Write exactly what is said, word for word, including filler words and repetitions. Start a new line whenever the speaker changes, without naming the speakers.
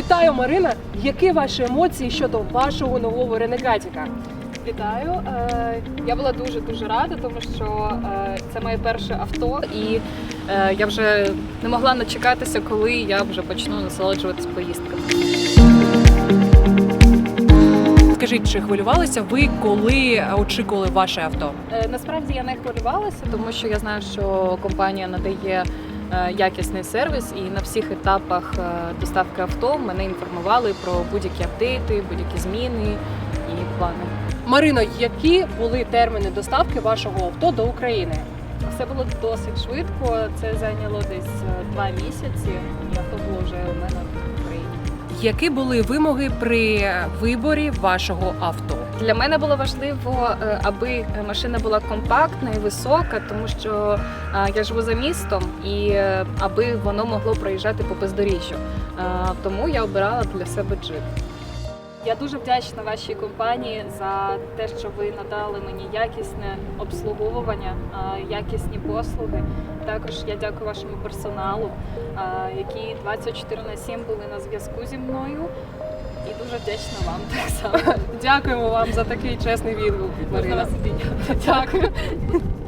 Вітаю, Марина! Які ваші емоції щодо вашого нового Ренегатіка?
Вітаю! Е, Я була дуже-дуже рада, тому що е, це моє перше авто, і е, я вже не могла начекатися, коли я вже почну насолоджуватись поїздками.
Скажіть, чи хвилювалися ви, коли очікували ваше авто?
Е, Насправді я не хвилювалася, тому що я знаю, що компанія надає е, якісний сервіс, і на всіх етапах е, доставки авто мене інформували про будь-які апдейти, будь-які зміни і плани.
Марино, які були терміни доставки вашого авто до України?
Все було досить швидко, це зайняло десь е, два місяці, і авто було вже у мене в Україні.
Які були вимоги при виборі вашого авто?
Для мене було важливо, е, аби машина була компактна і висока, тому що е, я живу за містом, і е, аби воно могло проїжджати по бездоріжжю. Е, Тому я обирала для себе джип. Я дуже вдячна вашій компанії за те, що ви надали мені якісне обслуговування, е, якісні послуги. Також я дякую вашому персоналу, е, які двадцять чотири на сім були на зв'язку зі мною. І дуже вдячна вам так само.
Дякуємо вам за такий чесний відгук,
Можна
Марина.
вас обійняти. Дякую.